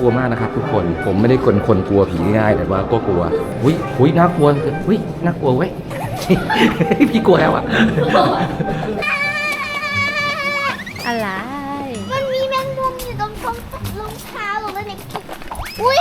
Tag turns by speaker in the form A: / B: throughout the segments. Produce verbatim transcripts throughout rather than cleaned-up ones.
A: ลัวมากนะครับทุกคนผมไม่ได้คนคนกลัวผีง่ายแต่ว่าก็กลัวอุ้ยอุ้ยน่ากลัวอุ้ยน่ากลัวเว้ย พี่กลัวแล้วอ่ะ
B: อะไร
C: มันมีแมงมุมอยู่ตรงตรงรองเท้าหรือว่าในอุ้ย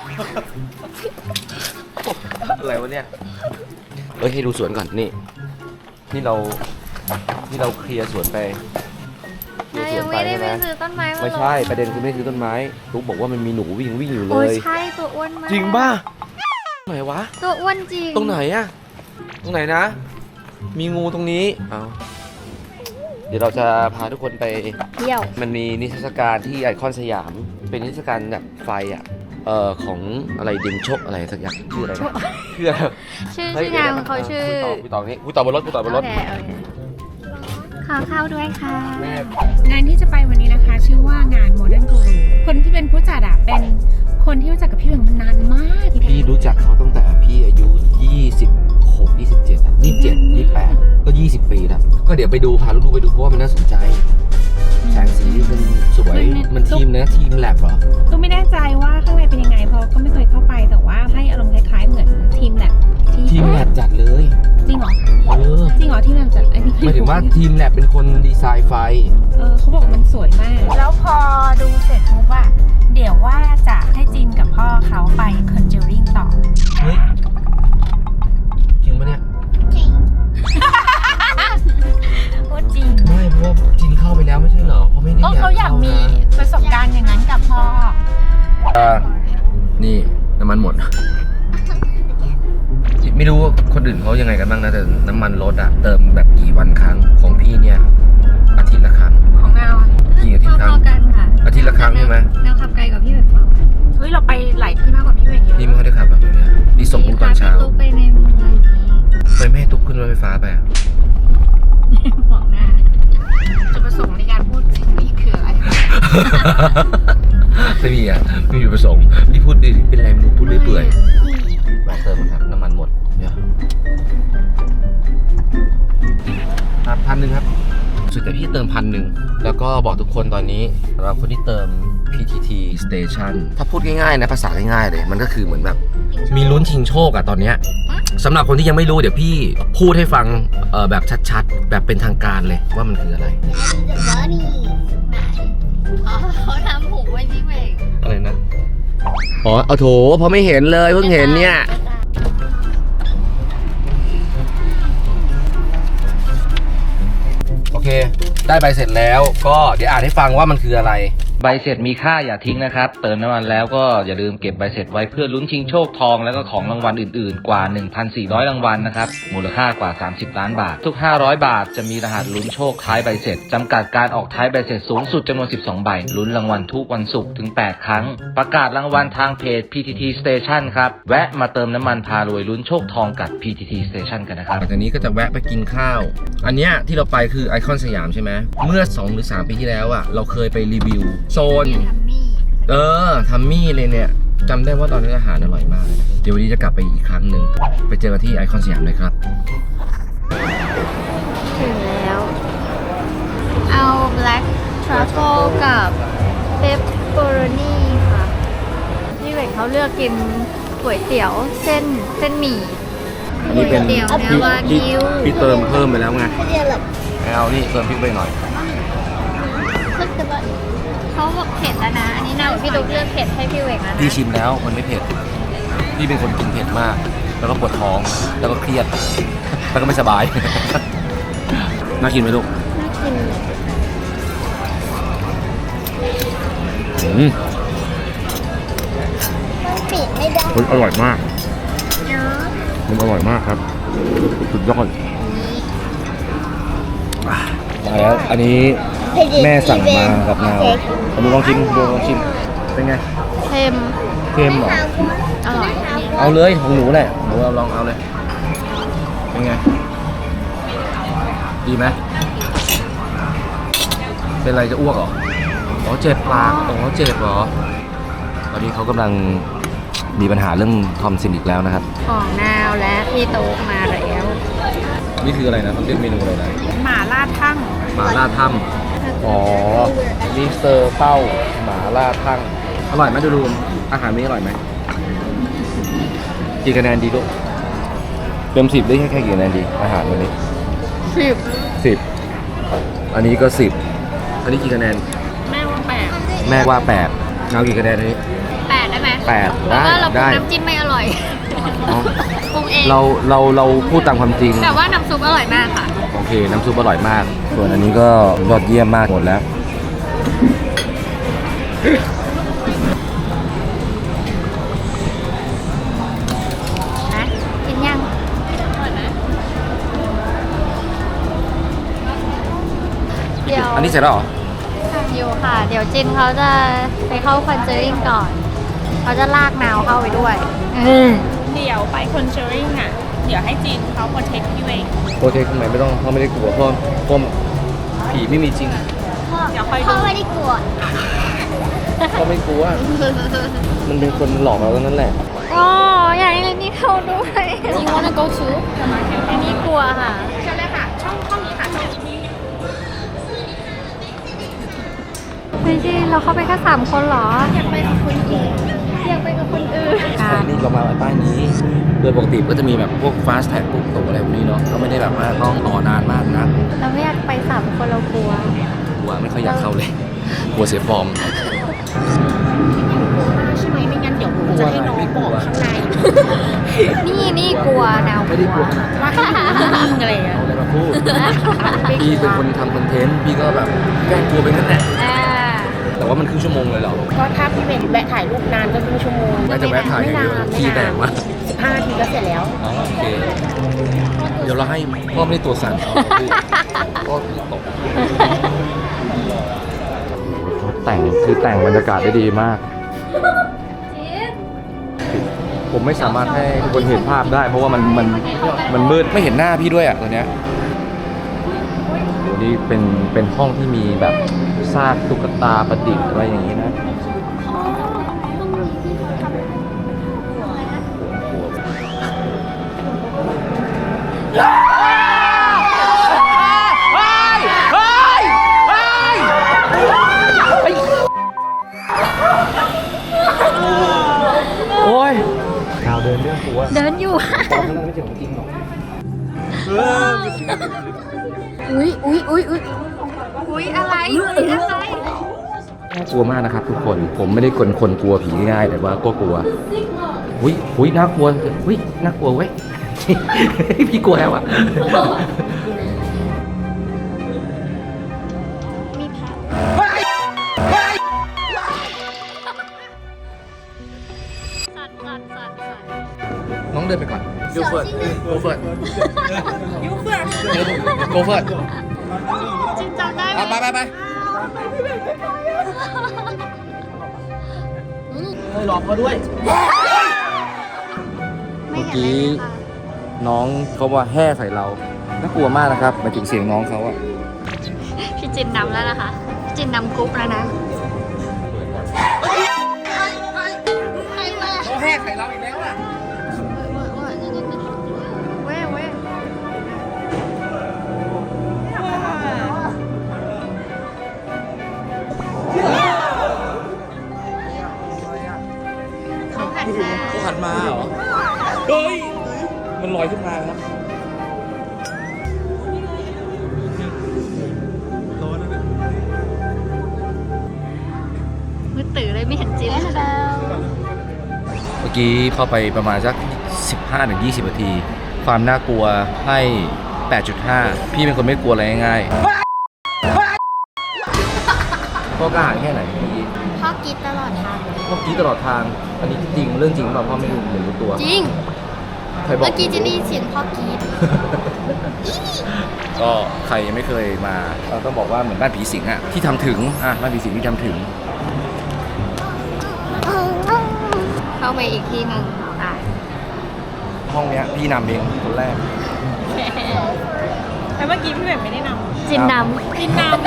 A: อะไรวะเนี่ยเอ้ยให้ดูสวนก่อนนี่นี่เรานี่เราเคลียร์สวนไปเคลียร์ส
B: ยั
A: วน
B: ง
A: ไป
B: ไม่ได้
A: ใช่
B: ไป
A: ไหม
B: ซื้อต้นไม้มา
A: ไม่ใช่ประเด็นคือไม่ซื้อต้นไม้ตุ๊กบอกว่ามันมีหนูวิ่งวิ่งอยู่เล
B: โอ้ย
A: ย
B: ใช่ตัวอ้วนมาก
A: จริงป่ะไหนวะ
B: ตัวอ้วนจริง
A: ตรงไหนอะตรงไหนนะ มีงูตรงนี้เอาเดี๋ยวเราจะพาทุกคนไป
B: เที่ยว
A: มันมีนิทรรศการที่ไอคอนสยาม เป็นนิทรรศการแบบไฟอะเอ่อของอะไรดินชกอะไรสักอย่างชื่ออะไรนะชื่ออะไร
B: ชื่อ
A: ฮ้ย
B: ชื่องานของเขาชื่อ
A: คุยต่อคุยต่อนี้คุยต่อบนรถคุยต่อบนรถ
B: โอเคโอเคขอเข้าด้วยค่ะ
A: แม่
D: งานที่จะไปวันนี้นะคะชื่อว่างาน Modern Guru คนที่เป็นผู้จัดอะเป็นคนที่รู้จักกับพี่เหวงมานานมาก
A: พี่รู้จักเขาตั้งแต่พี่อายุยี่สิบหก ยี่สิบเจ็ดอะยี่สิบเจ็ด ยี่สิบแปดก็ยี่สิบปีแล้วก็เดี๋ยวไปดูพาลูกๆไปดูเพราะว่ามันน่าสนใจแสงสีมันสวยมันทีมนะทีมแลบเหรอ
D: ก็ไม่แน่ใจว่าข้างในเป็นยังไงเพราะก็ไม่เคยเข้าไปแต่ว่าให้อารมณ์คล้ายๆเหมือนทีมแลบที่
A: ทีมแลบจัดเลย
D: จริงเหรอ
A: เออ
D: จริงเหรอทีมแลบจัดไอ้นี่
A: หมายถึงว่าทีมแลบเป็นคนดีไซน์ไฟ
D: เออเขาบอกมันสวยมาก แล้วพอดูเสร็จปุ๊บอะเดี๋ยวว่าจะให้จินกับพ่อเขาไป Conjuring ต่อ
A: เฮ้ยจริงปะเนี่ย
C: จริง
D: พูดจริง
A: ไม่เพราะว่าจินเข้าไปแล้วไม่ใช่เหรอเพราะไม่ได้
D: ก็เขาอยากมีประสบการณ์อย่างนั้นกับพ่อ
A: อ่านี่น้ำมันหมด ไม่รู้ว่าคนอื่นเขายังไงกันบ้างนะแต่น้ำมันรถอะเติมแบบกี่วันครั้งของพี่เนี่ยอาทิตย์ละครั้ง
D: ของเรา
A: กี่อาทิตย์ครั้ง
B: พอๆกันค่ะ
A: อาทิตย์ละครั้งใช่ไหม
B: แนวขับไกลกับพี่แบบเปล่า
D: เฮ้ยเราไปหลายที่มากกว่าพี่เหวงเยอะ
A: พี่ไม่ค่อยได้ขับแบบนี้พี่ส่งลูกตอนเช้า
B: พพี่ตุ๊กไปในเมืองนี้
A: ทำไมไม่ให้ตุ๊กขึ้นรถไฟฟ้าไปอะ
B: บอกหน้า
D: จุดประสงค์ในการพูดสิ่งนี้คืออะไร
A: ไม่มีอะไม่มีจุดประสงค์พี่พูดดิเป็นไรไม่รู้พูดเรื่อยเปื่อยแวะเติมครับน้ำมันหมดเดี๋ยวครับพันหนึ่งครับสุดแต่พี่เติมพันหนึ่งแล้วก็บอกทุกคนตอนนี้สำหรับคนที่เติม พี ที ที Station ถ้าพูดง่ายๆนะภาษาง่ายๆเลยมันก็คือเหมือนแบบมีลุ้นชิงโชคอะตอนเนี้ยสำหรับคนที่ยังไม่รู้เดี๋ยวพี่พูดให้ฟังเออแบบชัดๆ แบบเป็นทางการเลยว่ามันคืออะไร
C: เดี๋ยวนี่
B: อ๋อเขาทำผูกไว้ที่เบรก
A: อะไรนะอ๋อเอาโถเพราะไม่เห็นเลยเพิ่งเห็นเนี่ยโอเคได้ใบเสร็จแล้วก็เดี๋ยวอ่านให้ฟังว่ามันคืออะไรใบเสร็จมีค่าอย่าทิ้งนะครับเติมน้ำมันแล้วก็อย่าลืมเก็บใบเสร็จไว้เพื่อลุ้นชิงโชคทองแล้วก็ของรางวัลอื่นๆกว่า หนึ่งพันสี่ร้อย รางวัลนะครับมูลค่ากว่าสามสิบล้านบาททุกห้าร้อยบาทจะมีรหัสลุ้นโชคท้ายใบเสร็จจำกัดการออกท้ายใบเสร็จสูงสุดจำนวนสิบสองใบลุ้นรางวัลทุกวันศุกร์ถึงแปดครั้งประกาศรางวัลทางเพจ พี ที ที Station ครับแวะมาเติมน้ำมันพารวยลุ้นโชคทองกับ พี ที ที Station กันนะครับหลังจากนี้ก็จะแวะไปกินข้าวอันเนี้ยที่เราไปคือไอคอนสยามใช่ไหมเมื่อสองหรือสามปีที่แล้วอ่ะเราเคยไปรีวิวโซน
B: ทัมมี่
A: เออทัมมี่เลยเนี่ยจำได้ว่าตอนนั้นอาหารอร่อยมากเลยเดี๋ยววันนี้จะกลับไปอีกครั้งหนึ่งไปเจอกันที่ไอคอนสยามเลยครับ
B: ถึงแล้ว เอา black truffle กับ pepperoni ค่ะพี่เบกเขาเลือกกินก๋วยเตี๋ยวเส้นเส้นหมี่
A: อันนี้เป็น
B: ก๋วยเตี๋ยวเนื้อวากิว
A: พี่เติมเพิ่มไปแล้วไง
C: เดี๋ยวแบบ
A: เอานี่เติมพริกไปหน่อย
C: พึกจะแบบ
B: เขาบอกเผ็ดแล้วนะ อันนี้น่าพี่ตุ๊กเลือกเผ็ดให้พี่เวกแล้วนะ
A: พี่ชิมแล้วมันไม่เผ็ดพี่เป็นคนกินเผ็ดมาก แล้วก็ปวดท้องแล้วก็เครียดแล้วก็ไม่สบาย น่ากินไหมลูก
C: น่ากิน
A: อืม
C: มันปิดไม่ได้
A: มันอร่อยมาก
C: เนาะ
A: มันอร่อยมากครับสุดยอดมาแล้วอันนี้แม่สั่งมากับนาวเอาดูลองชิมดูลองชิมเป็นไง
B: เค็ม
A: เค็มเหรอ
B: อร่อย
A: เอาเลยของหนูแหละหนูเอาลองเอาเลยเป็นไงดีไหมเป็นไรจะอ้วกเหรออ๋อเจ็บปากอ๋อเจ็บเหรอตอนนี้เขากำลังมีปัญหาเรื่องทอมซินอีกแล้วนะครับ
B: ของนาวและพี่ตุ๊กมาแล้ว
A: นี่คืออะไรนะเขาเรียกเมนูอะไรนะ
D: หมาล่าทั่ง
A: หมาล่าถ้ำอ๋อนี่เซอร์เป้าหมาล่าทั่งอร่อยไหมดูรูมอาหารนี้อร่อยไหมกี่คะแนนดีลูกเต็มสิบได้แค่แค่กี่คะแนนดีอาหารวันนี้
B: สิบ
A: สิบอันนี้ก็สิบอันนี้กี่คะแนน
D: แม่ว่าแปด
A: แม่ว่าแปดเงากี่คะแนนอันนี้
B: แปดได้ไหม
A: แปด
B: เพราะว่าเราปรุ
A: ได้
B: งน้ำจิ้มไม่อร่อย
A: อ๋อ
B: ปรุงเอง
A: เราเราเราพูดตามความจริง
B: แต่ว่าน้ำซุปอร่อยมากค่ะ
A: โอเคน้ำซุปอร่อยมาก ส่วนอันนี้ก็ยอดเยี่ยมมากหมดแล้ว
B: นะกินยังเดี๋ยว
A: อันนี้เสร็จแล้วเหรอ
B: ทำอยู่ค่ะ เดี๋ยวจินเขาจะไปเข้าคอนเจอริงก่อน เขาจะลากนาวเข้าไปด้วย
D: เดี๋ยวไปคอนเจอริงอ่ะ เดี๋ยวให้จีนเขาโปรเทคพี่เวง
A: โปรเทคทำไมไม่ต้องเขาไม่ได้กลัวเพราะเพราะผีไม่มีจริง
D: เดี๋ยวคอย
C: พ่
D: ดู
C: อไม่ได้กลัว
A: เขาไม่กลัว มันเป็นคนหลอกเราทั้งนั้นแหละ
B: อ๋ออยากให้เรนนี่เข้าด้วย Do you wanna go too เรนนี่กลัวค่ะ
D: เชิญเลยค่ะ ช่องช่องนี้ค่ะช่องนี้
B: เฮ้ยจินเราเข้าไปแค่สามคนเหรอ อยากไปกับคนอื่นอยากไปกับคนอื่น
A: นี่เรามาป้ายนี้ โดยปกติก็จะมีแบบพวก fast tag พวกตั๋วอะไรพวกนี้เนาะ ก็ไม่ได้แบบว่าต้องต่อนานมากนะ
B: เราไม่อยากไปสามคนเรากลัว
A: กลัวไม่ค่อยอยากเข้าเลย กลัวเสียฟอร์ม
D: ใช่ไหมไม่งั้นเดี๋ยวผมจะให้น้องบอกข้างใน
B: นี่นี่กลัวนาว
A: ไม่ได้กลัวขนาด
D: ว่าให้อยู่นิ่งๆอะไรอย่างเงี้ย
A: เอาอะไรมาพูด พี่เป็นคนทำคอนเทนต์ พี่ก็แบบแกล้งกลัวไปงั้นแหละ
B: อ่า
A: แต่ว่ามันครึ่งชั่วโมงเลยเหรอ
D: ก็ถ้าพี่เวงแวะถ่ายรูปนานก็ครึ่งชั่วโมง
A: น่าจะแวะถ่ายอย่างเดียวขี้แตกมาก
D: สิบห้านาทีก็เสร็จแล้ว
A: อ๋อโอเค เดี๋ยวเราให้พ่อไม่ได้ตัวสั่นเอาพี่พ่อคือตกแต่งคือแต่งบรรยากาศได้ดีมาก ผมไม่สามารถให้ทุกคนเห็นภาพได้ เพราะว่ามันมันมันมืดไม่เห็นหน้าพี่ด้วยอ่ะตอนเนี้ยโหนี่เป็นเป็นห้องที่มีแบบซากตุ๊กตาประดิษฐ์อะไรอย่างนี้นะโอ้ยข่าวเดินเรื่องตัว
B: เดินอยู่
A: ตอนนั้นไม่ใช่ของจริงหรอก
B: อุ้ยอุ้ยอุ้ยอุ้ยอุ้ยอะไรอุ้ยอะไร
A: น่ากลัวมากนะครับทุกคน ผมไม่ได้คนคนกลัวผีง่ายแต่ว่าก็กลัวอุ้ยอุ้ยน่ากลัวอุ้ยน่ากลัวเว้ย พี่กลัวแล้วอ่ะ
B: มีแผลสั่นสั่นสั่นสั่น
A: น้องเดินไปก่อนยูเฟิร์ดโกเฟิร์ดยูเฟิร์ดโกเฟิร์ด
B: จินจำได้ไหม
A: ไปไปไปเฮ้ยหลอกเขาด้วย
B: ไม่เห็นเลยค่ะ
A: น้องเขาว่าแห่ใส่เรา น่ากลัวมากนะครับหมายถึงเสียงน้องเขาอะ
B: พี่จินนำแล้วนะคะ จินนำกรุ๊ปแล้วนะ
A: เขาแห่ใส่เราอีกแล้วอะ
B: เว้ยเว้ยเขาหันมา
A: เขาหันมาเหรอ เฮ้ย มันลอยขึ้นมาครับ
B: มือตื่นเลยไม่เห็นจินแล้ว
A: เมื่อกี้เข้าไปประมาณสัก สิบห้าถึงยี่สิบ นาที ความน่ากลัวให้ แปดจุดห้า พี่เป็นคนไม่กลัวอะไรง่ายๆพ่อกล้าหาญแค่ไหนเมื่อกี้
C: พ่อกรีดตลอดทางเลย
A: เมื่อกี้ตลอดทาง อันนี้จริงเรื่องจริงเปล่าพ่อไม่รู้หรือรู้ตัว
C: จริง
A: ใครบอก
C: เมื่อกี้จะได้ยินเสียงพ่อกรีด
A: ก็ใครยังไม่เคยมาเราต้องบอกว่าเหมือนบ้านผีสิงอะที่ทำถึงอ่ะบ้านผีสิงที่ทำถึง
B: เข้าไปอีกทีหนึ่งอ่ะ
A: ห้องเนี้ยพี่นำเองคนแรก
D: แต่เมื่อกี้พี่เวงไม่ได้นำ
B: จินนำ
D: จินนำ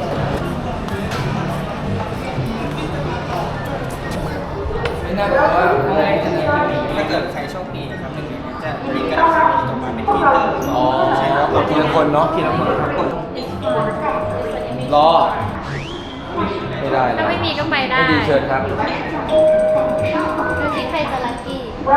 A: ไม่น่าบอกว่าถ้าเกิดใครโชคดีครับหนึ่งจะยิงกระดาษตรงมาเป็นทีเตอร์อ๋อใช่ครับทีละคนเนาะทีละคนรอเห็นได้
B: ถ้าไม่มีก็ไปได้
A: ไม่ดีเชิญครับ
B: ดูสิใครจะลัคกี้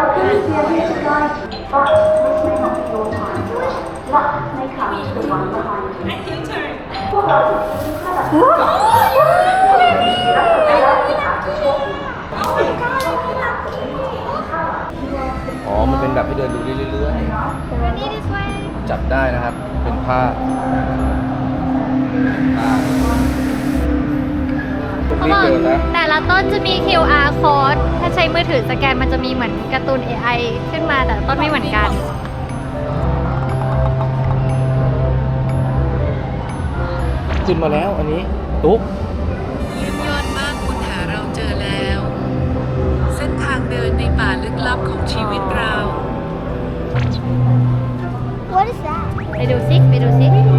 A: อ๋อ มันเป็นแบบให้เดินดูเรื่อย
B: นี่ this way
A: ๆ จับได้นะครับ เป็นผ้าอ่า
B: เขา
A: รี
B: บบ อก
A: เดินนะ
B: แต่ละต้นจะมี คิว อาร์ code ถ้าใช้มือถือสแกนมันจะมีเหมือนการ์ตูน เอ ไอ ขึ้นมาแต่ละต้นไม่เหมือนกัน
A: ขึ้นมาแล้วอันนี้ ตุ๊ก
E: เยี่ยมยอดมากคุณหาเราเจอแล้ว เส้นทางเดินในป่าลึกลับของชีวิตเรา
C: What is that?
B: ไปดูซิไปดูซิ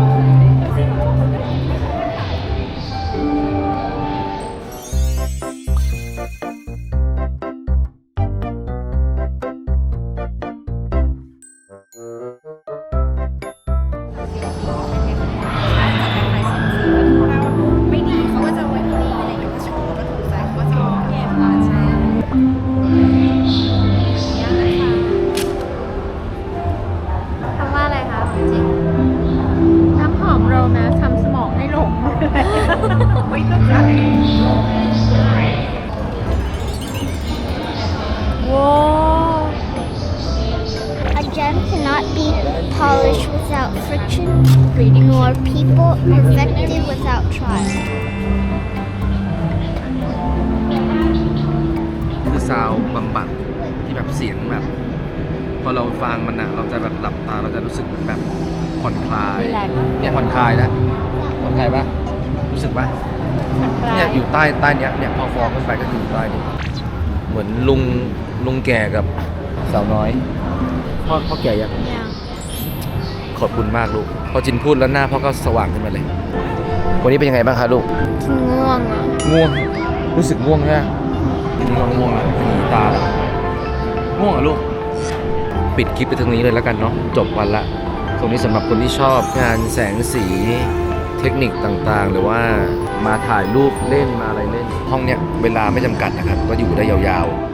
D: ไม่ดีเขาก็จะเอาไว้ที่นี่อะไรอย่างเงี้ยก็โชว์ก็ถูกใจเขาก็จะเอาเก็บมาใช่ยังนะคะ
B: คำว่าอะไรคะจริง
D: น้ำหอมโรแมนทำสมองให้หลง ไม่ต้องใจ
B: ว้า
C: A gem cannot be polished without friction, nor people perfected without trial.
A: คือซาวด์บำบัดที่แบบเสียงแบบ พอเราฟังมันอะเราจะแบบหลับตาเราจะรู้สึกเหมือนแบบผ่อนคลาย
B: relax
A: เนี่ยผ่อนคลายนะผ่อนคลายปะรู้สึกปะ
B: ผ่อนคลา
A: เนี่ย ยอยู่ใต้ใต้เนี้ยเนี่ยพอฟองขึ้นไปก็อยู่ใต้นี่เหมือนลุงลุงแก่กับสาวน้อยพ่อพ่อแก่ยัง
B: ยัง
A: ขอบคุณมากลูกพอจินพูดแล้วหน้าพ่อก็สว่างขึ้นมาเลย วันนี้เป็นยังไงบ้างคะลูก
B: ง่วงอ่ะ
A: ง่วง รู้สึกง่วงใช่ไหมง่วงง่วงแล้วมีตาแล้วง่วงเหรอลูก ปิดคลิปไปตรงนี้เลยแล้วกันเนาะ จบวันละ ตรงนี้สำหรับคนที่ชอบงานแสงสี เทคนิคต่างๆ หรือว่ามาถ่ายรูปเล่นมาอะไรเล่น ห้องเนี้ยเวลาไม่จำกัดนะครับ ก็อยู่ได้ยาวๆ